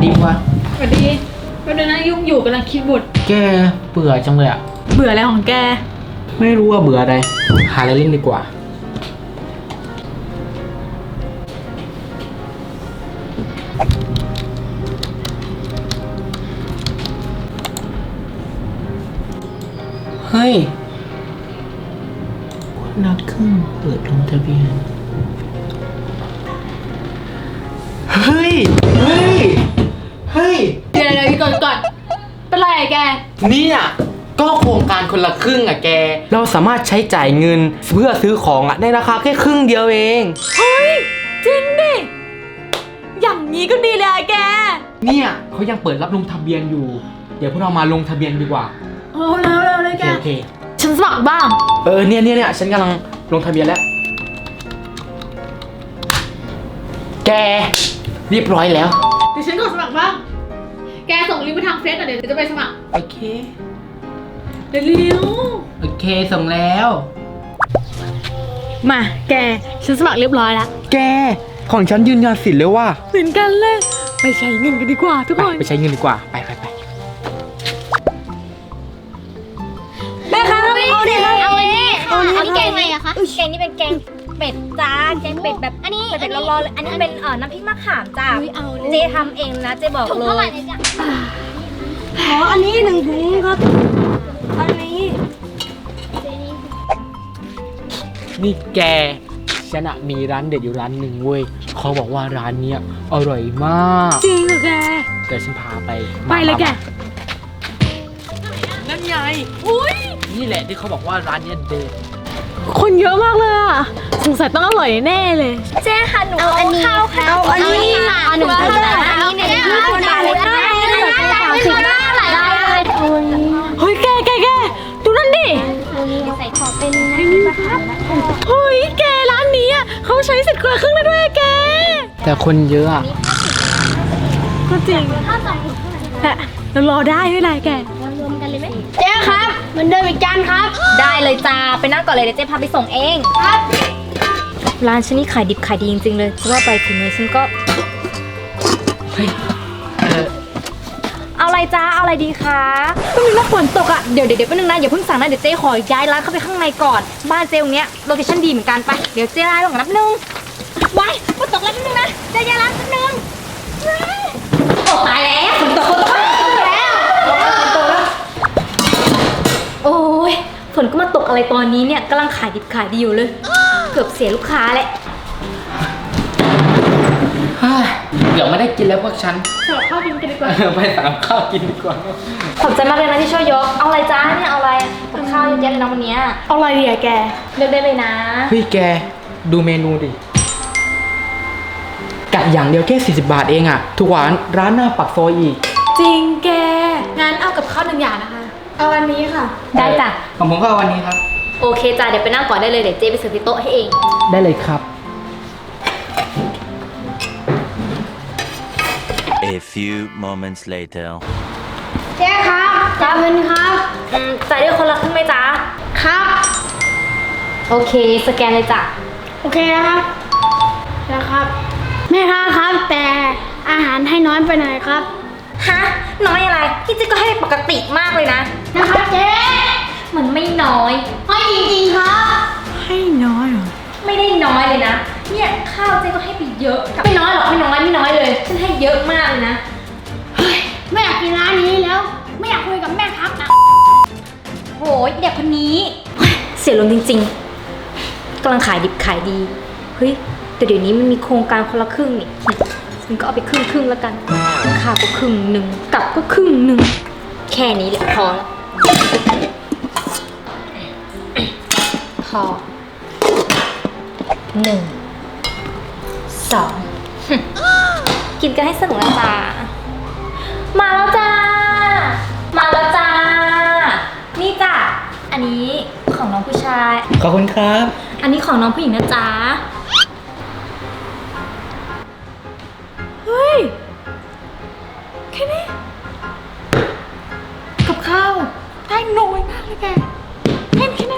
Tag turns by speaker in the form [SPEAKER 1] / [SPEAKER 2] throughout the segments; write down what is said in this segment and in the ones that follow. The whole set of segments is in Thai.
[SPEAKER 1] ดีกว่า
[SPEAKER 2] สวัสดีแป๊บนึงนะยุ่งอยู่กำลังคิดบท
[SPEAKER 1] แกเบื่อจังเลยอะ
[SPEAKER 2] เบื่ออะไรของแก
[SPEAKER 1] ไม่รู้ว่าเบื่ออะไรหาอะไรเล่นดีกว่าเฮ้ยนักครึ่งเปิดลงทะเบียนเฮ้ยเฮ้ยเฮ้ย
[SPEAKER 2] เดี๋ยวก่อนเป็นไรอะแก
[SPEAKER 1] เนี่ยก็โครงการคนละครึ่งอ่ะแกเราสามารถใช้จ่ายเงินเพื่อซื้อของอ่ะในราคาแค่ครึ่งเดียวเอง
[SPEAKER 2] เฮ้ยจริงดิอย่างนี้ก็ดีเลยอะแก
[SPEAKER 1] เนี่ยเขายังเปิดรับลงทะเบียนอยู่เดี๋ยวพวกเรามาลงทะเบียนดีกว่า
[SPEAKER 2] โอ้เร็วเลย
[SPEAKER 1] โอ
[SPEAKER 2] แก
[SPEAKER 1] เค
[SPEAKER 2] ฉันสมัครบ้าง
[SPEAKER 1] เนี่ยฉันกำลังลงทะเบียนแล้วแกเรียบร้อยแล้ว
[SPEAKER 2] เดี๋ยวฉันกดสมัครบ้างแกส่งลิงก์ไปทางเฟซหน่อยเดี๋ยวจะไปสมัคร
[SPEAKER 1] โอเค
[SPEAKER 2] เร็ว
[SPEAKER 1] โอเคส่งแล้ว
[SPEAKER 2] ๆมาแกฉันสมัครเรียบร้อยแล้ว
[SPEAKER 1] แกของฉันยืนยันสิทธิ์เลยว่า
[SPEAKER 2] เหมือนกันเลยไปใช้เงินกันดีกว่าทุกคน
[SPEAKER 1] ไปใช้เงินดีกว่าไป
[SPEAKER 2] แม่คะเอาดิ
[SPEAKER 3] เอาอันนี้ค่ะอันนี้แกงอะไรอะคะแกงนี่เป็นแกงเป็ดจ้าแกงเป็ดแบบอันนี้เป็ดร้อนๆเลยอันนี้เป็นน้ำพริกมะขามจ้าเจทำเองนะเจบอกเลยถุงเท่าไหร่เนี่ยจ้ะอ๋ออันนี้1 ถุงครับอันนี้
[SPEAKER 1] นี่แกฉันอะมีร้านเด็ดอยู่ร้านหนึ่งเว้ยเขาบอกว่าร้านเนี้ยอร่อยมาก
[SPEAKER 2] จริงเหรอแก
[SPEAKER 1] เดี๋ยวฉันพาไป
[SPEAKER 2] ไปเลยแก
[SPEAKER 1] มา
[SPEAKER 2] นั่นไงอุ้ย
[SPEAKER 1] นี่แหละที่เขาบอกว่าร้านเนี้ยเด็ด
[SPEAKER 2] คนเยอะมากเลยอ่ะสงสัยต้องอร่อยแน่เลย
[SPEAKER 3] เจ๊ค่ะหนูเอาอันนี้เอาอันนี้ค่ะเอา1 ถุงนะอันนี้เนี่ยคุณบาทเลยได้ได้คุณ
[SPEAKER 2] เฮ้ยแกดูนั่นดิ
[SPEAKER 3] ใส่ขอเป็นน้ำมะขามนะคะ
[SPEAKER 2] เฮ้ยแกร้านนี้อ่ะเขาใช้สิทธิ์คนละครึ่งได้ด้วยอะแก
[SPEAKER 1] แต่คนเยอะอะ
[SPEAKER 2] ก็จริง
[SPEAKER 3] ถ้า2 ถุงเท่าไหร่
[SPEAKER 2] แต่เรารอได้ไม่เป็นไรแก
[SPEAKER 3] รวมกันเลยไหมเจ๊ครับเหมือนเดิมอีกจานครับได้เลยจ้าไปนั่งก่อนเลยเดี๋ยวเจ๊พาไปส่งเองครับร้านฉันนี่ขายดิบขายดีจริงๆเลยจะว่าไปถึงเลยฉันก็
[SPEAKER 1] เฮ้ย
[SPEAKER 3] เอาอะไรจ้าเอาอะไรดีคะก็มีว่าฝนตกอ่ะเดี๋ยวแป๊บนึงนะอย่าเพิ่งสั่งนะเดี๋ยวเจ๊ขอย้ายร้านเข้าไปข้างในก่อนบ้านเจ๊ตรงเนี้ยโลเคชั่นดีเหมือนกันไปเดี๋ยวเจ๊ย้ายก่อนนับนึงไว้ฝนตกแล้วแป๊บนึงนะเจ๊ย้ายร้านแป๊บนึงโอ้ตายแล้วฝนตกแล้วโอ้ยฝนก็มาตกอะไรตอนนี้เนี่ยกำลังขายดิบขายดีอยู่เลยเกือบเสียลูกค้าแหละ
[SPEAKER 1] เดี๋ยวไม่ได้กินแล้วพวกฉัน
[SPEAKER 2] สลับข้าวกินกันดีกว่า
[SPEAKER 1] ไปสั่งข้าวกินดีกว่า
[SPEAKER 3] ขอบใจมากเลยนะที่ช่วยยกเอาอะไรจ้าเนี่ยเอาอะไรกับข้าวเยอะแยะเลยนะวันเนี้ย
[SPEAKER 2] เอาอะไรดีอะแก
[SPEAKER 3] เลือกได้เลยนะ
[SPEAKER 1] เฮ้ยแกดูเมนูดิกะอย่างเดียวแค่40 บาทเองอะทุกวันร้านหน้าปักซอยอีก
[SPEAKER 2] จริงแกงั้นเอากับข้าว1 อย่างนะคะเอาอันนี้ค่ะ
[SPEAKER 3] ได้จ้ะ
[SPEAKER 1] ของผมก็เอาวันนี้ครับ
[SPEAKER 3] โอเคจ้ะเดี๋ยวไปนั่งก่อนได้เลยเดี๋ยวเจ๊ไปเสิร์ฟที่โต๊ะให้เอง
[SPEAKER 1] ได้เลยครับ
[SPEAKER 4] A few moments later.
[SPEAKER 3] เจ๊ครับจ่ายเงินครับจ่ายด้วยคนละครึ่งไหมจ๊ะครับโอเคสแกนเลยจ้ะ
[SPEAKER 5] โอเคนะครับแม่ค้าครับแต่อาหารให้น้อยไปหน่อยครับ
[SPEAKER 3] ฮะน้อยอะไรที่เจ๊ก็ให้ปกติมากเลยนะ
[SPEAKER 5] นะครับเจ๊
[SPEAKER 3] มันไม่น้อย
[SPEAKER 5] ให้จริงๆครับ
[SPEAKER 2] ให้น้อยเหรอ
[SPEAKER 3] ไม่ได้น้อยเลยนะเนี่ยข้าวเจ๊ก็ให้ไปเยอะไม่น้อยหรอกไม่น้อยเลยฉันให้เยอะมากเลยนะ
[SPEAKER 5] ไม่อยากกินร้านนี้แล้ว ไม่อยากคุยกับแม่ครับนะ
[SPEAKER 3] โหยเด็กคนนี้เฮ้ยเสียลมจริงๆกำลังขายดิบขายดีเฮ้ยแต่เดี๋ยวนี้มันมีโครงการคนละครึ่งนี่ฉันก็เอาไปครึ่งแล้วกันข้าวก็ครึ่งหนึ่งกลับก็ครึ่งหนึ่งแค่นี้แหละพอแล้วพอ1 2 กินกันให้สนุกนะจ๊ะมาแล้วจ้านี่จ้ะอันนี้ของน้องผู้ชาย
[SPEAKER 1] ขอบคุณครับ
[SPEAKER 3] อันนี้ของน้องผู้หญิงนะจ๊ะ
[SPEAKER 2] เฮ้ยแค่นี้กับข้าวได้น้อยมากเลยแกแค่นี้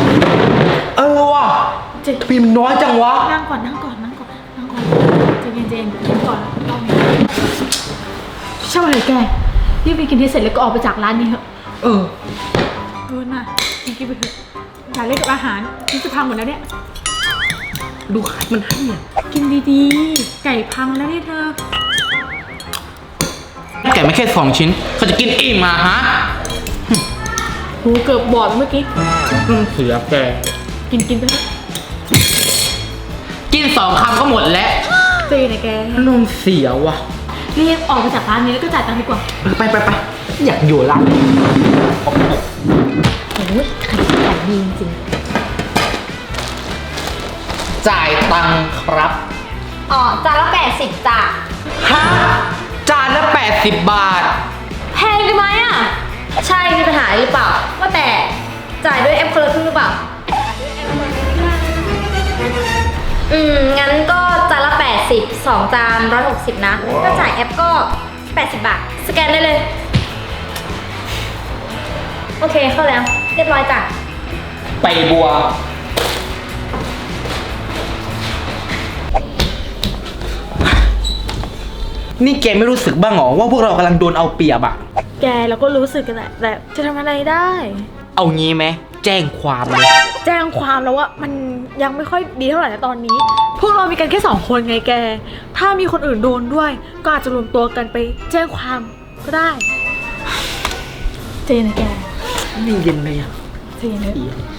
[SPEAKER 1] ว่ะทำไมมันน้อยจังวะ
[SPEAKER 2] นั่งก่อนใจเย็นจนกินก่อนต้องใช่ไหมแกรีบไปกินที่เสร็จแล้วก็ออกไปจากร้านนี้เถอะ
[SPEAKER 1] เออ
[SPEAKER 2] น่ะกินไปเถอะอย่าเล่นกับอาหารนี่จะพังหมดแล้วเนี่ย
[SPEAKER 1] ดูขายมันให้อ่ะ
[SPEAKER 2] กินดีๆ ไก่พังแล้วเนี่ยเธอ
[SPEAKER 1] แกไม่แค่2 ชิ้นเขาจะกินอิ่มมาฮะ
[SPEAKER 2] หูเกือบบอดเมื่อกี้
[SPEAKER 1] เสือแก
[SPEAKER 2] กินไปเถอะ
[SPEAKER 1] กิน2 คำก็หมดแล้ว
[SPEAKER 2] เจ๊นะแก
[SPEAKER 1] นมเสียว่ะ
[SPEAKER 2] รีบออกไปจากร้านนี้แล้วก็จ่ายตังค์ดีกว่า
[SPEAKER 1] ไปอยากอยู่ร้านนี้
[SPEAKER 3] โอ้ยขายดีจริง
[SPEAKER 1] จ่ายตังค์ครับ
[SPEAKER 3] ๆอ๋อจานละ80จ้ะ
[SPEAKER 1] ฮะ จานละ80 บาท
[SPEAKER 3] แพงไปไหมอ่ะ ใช่มีปัญหาหรือเปล่า ว่าแต่จ่ายด้วยแอปคนละครึ่งหรือเปล่า งั้นก็จานละ80 2 จาน160นะถ้าจ่ายแอปก็80 บาท สแกนได้เลย โอเคเข้าแล้ว เรียบร้อยจ้ะ
[SPEAKER 1] ไปบัว นี่แกไม่รู้สึกบ้างเหรอว่าพวกเรากำลังโดนเอาเปรียบอะ
[SPEAKER 2] แกเราก็รู้สึกกันแหละแต่จะทำอะไรได้
[SPEAKER 1] เอางี้ไหมแจ้งความเลย
[SPEAKER 2] แจ้งความแล้วว่ามันยังไม่ค่อยดีเท่าไหร่นะตอนนี้ พวกเรามีกันแค่2 คนไงแก ถ้ามีคนอื่นโดนด้วย ก็อาจจะรวมตัวกันไปแจ้งความก็ได้ เจนนะแก
[SPEAKER 1] นี่เย็นเลยอะ
[SPEAKER 2] เจนนะ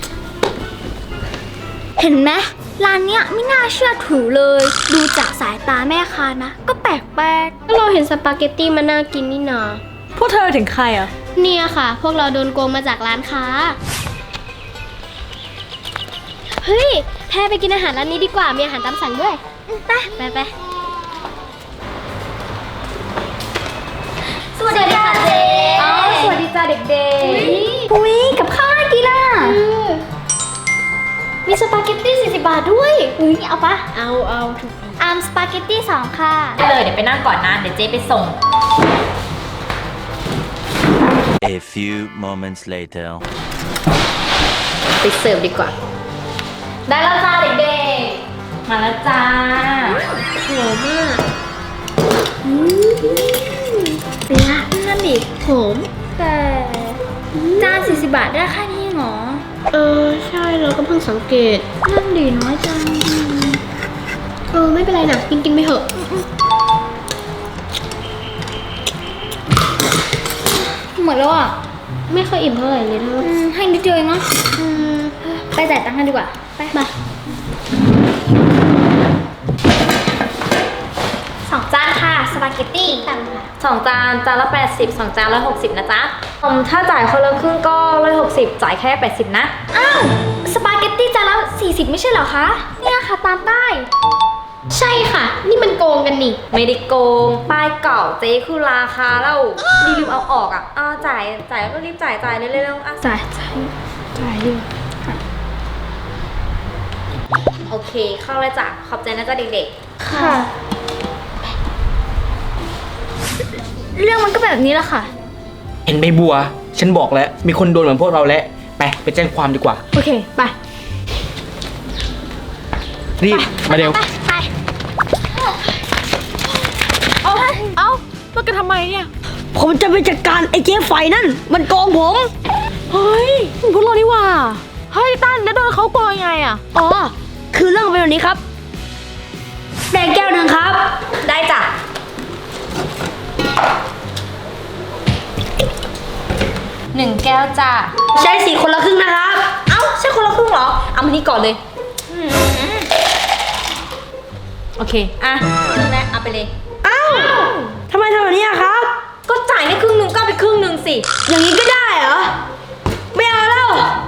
[SPEAKER 5] เห็นไหมร้านเนี้ยไม่น่าเชื่อถือเลย ดูจากสายตาแม่ค้านะ ก็แปลกๆก็เราเห็นสปาเกตตี้มันน่ากินนี่นา
[SPEAKER 2] พวกเธอถึงใครอ่ะ
[SPEAKER 5] เนี่ยค่ะ พวกเราโดนโกงมาจากร้านค้า เฮ้ยแพรไปกินอาหารร้านนี้ดีกว่า มีอาหารตามสั่งด้วยไปสวัสดีค่ะเจ๊
[SPEAKER 3] อ๋อ สวัสดีจ้าเด็ก
[SPEAKER 5] อุ้ยกับข้าวน่ากินอ่ะมีสปาเกตตี้40 บาทด้วยอุ้ยเอาปะเอาสปาเกตตี้2ค่ะ
[SPEAKER 3] ๆได้เลยเดี๋ยวไปนั่งก่อนนะ เดี๋ยวเจ๊ไปส่ง
[SPEAKER 4] A few moments later.
[SPEAKER 3] ไปเสิร์ฟดีกว่า ได้แล้วจ้าเด็กๆ มาแล้วจ้า
[SPEAKER 5] หอมมากเป็นไงนั่นดิหอมแต่จาน40 บาทได้แค่นี้เหรอใช่เราก็เพิ่งสังเกตนั่นดิน้อยจังไม่เป็นไรนะกินไปเถอะหมดแล้วอ่ะไม่ค่อยอิ่มเท่าไหร่เลยเธอให้นิดเดียวเองเนาะไปจ่ายตังค์กันดีกว่าไป2 จานค่ะสปาเกตตี้ตังค่ะ
[SPEAKER 3] 2 จาน จานละ80 2 จาน160นะจ๊ะถ้าจ่ายคนละครึ่งก็160จ่ายแค่80นะ
[SPEAKER 5] อ้าวสปาเกตตี้จานละ40ไม่ใช่เหรอคะเนี่ยค่ะตามป้ายใช่ค่ะ นี่มันโกงกันนี่
[SPEAKER 3] ไม่ได้โกง ป้ายเก่าเจ๊คือราคาแล้วรีบเอาออกอ่ะจ่ายก็รีบจ่ายเร็วๆอ่ะ
[SPEAKER 5] จ่ายดิ
[SPEAKER 3] โอเค เข้าเลยจ้ะ ขอบใจนะจ๊ะเด็ก
[SPEAKER 5] ค่ะ เรื่องมันก็แบบนี้แหละค่ะ
[SPEAKER 1] เห็นใบบัว ฉันบอกแล้ว มีคนโดนเหมือนพวกเราแล้ว ไปแจ้งความดีกว่า
[SPEAKER 2] โอเค ไป
[SPEAKER 1] รีบ มาเร็ว
[SPEAKER 5] ไป
[SPEAKER 2] เอ้าแล้วกันทำไมเนี่ย
[SPEAKER 6] ผมจะไปจัดการไอ้เจ๊ไฟนั่น มันโกงผม
[SPEAKER 2] เฮ้ยพวกเรานี่หว่า เฮ้ยตั้นแล้วโดนเขาโกงยังไงอ่ะ
[SPEAKER 6] อ๋อ คือเรื่องเป็นแบบนี้ครับแดงแก้วหนึ่งครับ
[SPEAKER 3] ๆ ได้จ้ะ 1 แก้วจ้ะ
[SPEAKER 6] ใช้สีคนละครึ่งนะครับ
[SPEAKER 3] เอ้า ใช่คนละครึ่งเหรอ เอามานี่ก่อนเลย โอเค อ่ะครึ่งแรกเอาไปเลย
[SPEAKER 6] อ้าวทำไมทำแบบนี้อะครับ
[SPEAKER 3] ก็จ่ายให้ครึ่งหนึ่งก็เอาไปครึ่งหนึ่งสิ
[SPEAKER 6] อย่างนี้ก็ได้เหรอ ไม่เอาแล้ว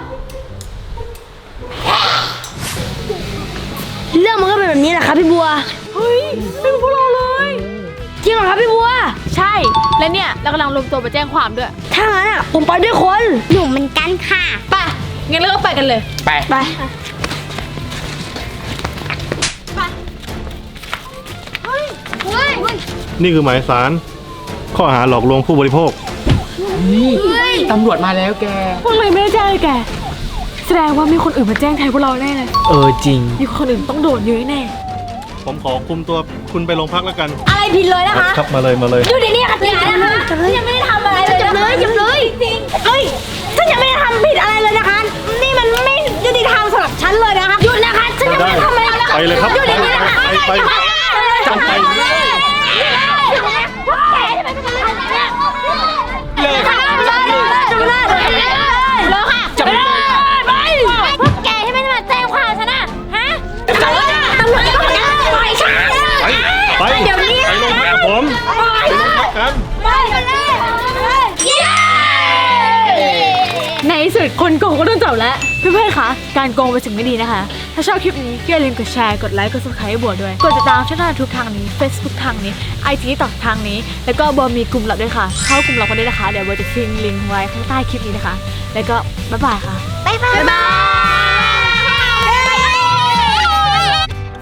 [SPEAKER 6] เรื่องมันก็เป็นแบบนี้แหละครับพี่บัว
[SPEAKER 2] เฮ้ยเป็นพวกเราเลย
[SPEAKER 6] จริงเหรอครับพี่บัว
[SPEAKER 2] ใช่ และเนี่ยเรากำลังรวมตัวไปแจ้งความด้วย
[SPEAKER 6] ถ้างั้นอะผมไปด้วยคน
[SPEAKER 5] หนูเหมือนกันค่ะ
[SPEAKER 2] ไป งั้นเราก็ไปกันเลย
[SPEAKER 1] ไป
[SPEAKER 6] ไป
[SPEAKER 7] นี่คือหมายสาร ข้อหาหลอกลวงผู้บริโภค
[SPEAKER 1] ตำรวจมาแล้วแก
[SPEAKER 2] พวกเราไม่ได้แจ้งเลยแก แสดงว่ามีคนอื่นมาแจ้งแทนพวกเราแน่เลย
[SPEAKER 1] จริง
[SPEAKER 2] มีคนอื่นต้องโดนเยอะแน่
[SPEAKER 7] ผมขอคุมตัวคุณไปโรงพักแล้วกัน
[SPEAKER 3] อะไรผิดเลยนะคะ
[SPEAKER 7] ครับมาเลยมาเลย
[SPEAKER 3] อยู่ในนี้ค่ะอย่านะคะฉันยังไม่ได้ทำอะไรเลยจับเลยจับเลยจริงเฮ้ยฉันยังไม่ได้ทำผิดอะไรเลยนะคะ นี่มันไม่ยุติธรรมสำหรับฉันเลยนะคะหยุดนะคะฉันยังไม่ได้ทำอะไรเลย
[SPEAKER 7] ไปเลยครับ
[SPEAKER 3] อยู่ในนี้นะคะ
[SPEAKER 7] ไป
[SPEAKER 3] จับไปเลย
[SPEAKER 1] เลยค่ะ
[SPEAKER 3] จับเลยเลยค่ะจับเลยไปพวกแกที่ไม่ได้มาแจ้งความฉันนะฮะจับเลยตำรวจก็ไม่ได้ปล่อยฉัน
[SPEAKER 7] ไป
[SPEAKER 3] เดี๋ยวนี้
[SPEAKER 7] ไปโรงพักกับผม
[SPEAKER 3] ปล่อย
[SPEAKER 7] กัน
[SPEAKER 3] ไปกันเลยเย้
[SPEAKER 2] ในที่สุดคนโกงก็โดนจับแล้ว เพื่อนๆ คะ การโกงเป็นสิ่งไม่ดีนะคะ ถ้าชอบคลิปนี้ก็อย่าลืมกดแชร์ กดไลค์ กด subscribe ให้บัวด้วย กดติดตามช่องทางทุกทางนี้ Facebook ทางนี้ IG ต่อทางนี้ แล้วก็บัวมีกลุ่มลับด้วยค่ะ เข้ากลุ่มลับกันได้นะคะ เดี๋ยวบัวจะทิ้งลิงก์ไว้ข้างใต้คลิปนี้นะคะ แล้วก็บ๊ายบายค่ะ
[SPEAKER 3] บ๊ายบาย